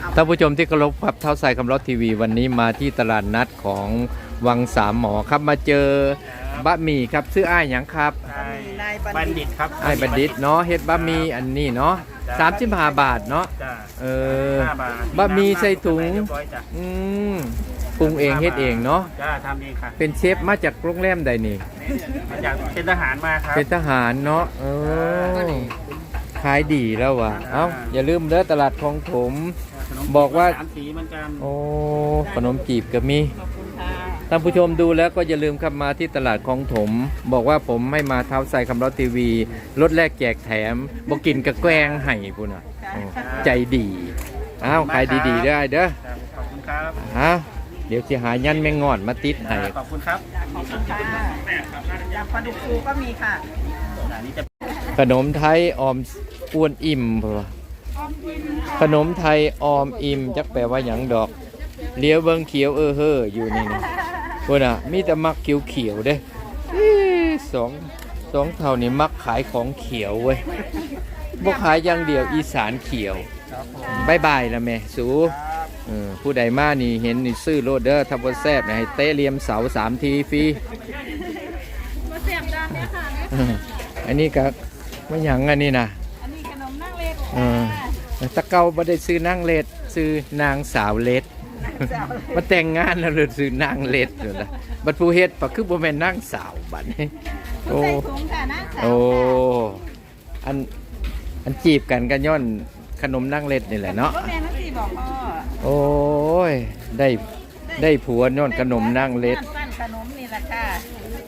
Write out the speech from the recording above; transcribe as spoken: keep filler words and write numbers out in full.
ท่านผู้ชมที่เคารพครับเท้าใส่คำรถทีวีวันนี้มาที่ตลาดนัดของวังสามหมอครับมาเจอบะหมี่ครับซื้ออ้ายหยังครับนายบัณฑิตครับอ้ายบัณฑิตเนาะเฮ็ดบะหมี่อันนี้เนาะสามสิบห้าบาทเนาะจ้าเออห้าบาทบะหมี่ใส่ถุงเรียบร้อยจ้ะอืมปรุงเองเฮ็ดเองเนาะจ้าทำเองค่ะเป็นเชฟมาจากโรงแรมใดนี่มาจากเป็นทหารมาครับเป็นทหารเนาะเออขายดีแล้วว่ะเอ้าอย่าลืมเด้อตลาดคลองถมขนมบอกว่าสามสีเหมือนกันโอ้ขนมจีบก็มีท่านผู้ชมดูแล้วก็อย่าลืมครับมาที่ตลาดคลองถม บอกว่าผมให้มาเท้าใส่คำร้อทีวีรถแรกแจกแถมบอกกินกระแกล้งให้พุ่นน่ะโอ้ใจดีอ้าวขายดีๆได้เด้อจ้ะขอบคุณครับอ้าวเดี๋ยวจะหายันแมงงอดมาติดให้ขอบคุณครับขอบคุณค่ะยำปลาดุกฟูก็มีค่ะอันนี้จะขนมไทยออมอ้วนอิ่มพุ่นว่ะขนมไทยออมอิ่มจักแปลว่าหยังดอกเลี้ยวเบิ่งเขียวเออเฮ้ออยู่นี่นะพุ่นน่ะมีแต่มักเขียวๆเด้อีสองสองเท่านี่มักขายของเขียวเว้ยบ่ขายอย่างเดียวอีสานเขียวบายบายละแม่สูเออผู้ใดมานี่เห็นนี่ซื้อโลดเด้อทับบ่แซ่บนะให้เตะเหลี่ยมเสาสามทีฟรีบ่แซ่บดานเนี่ยค่ะอันนี้ก็ไม่หยังอันนี้นะอันนี้ขนมนั่งเล็กเออตะเกาบ่ได้ซื้อนางเล็ดซื้อนางสาวเล็ดมาแต่งงานแล้วเลยซื้อนางเล็ดอยู่นะบัดผู้เฮ็ดปะคือบ่แม่นนางสาวบัดนี้โอ้ใส่ถุงค่ะนะสาวโอ้อันอันจีบกันก็ย้อนขนมนางเล็ดนี่แหละเนาะรถแม่นั่นสิบอกพ่อโอ้ยได้ได้ผัวย้อนขนมนางเล็ดบ้าน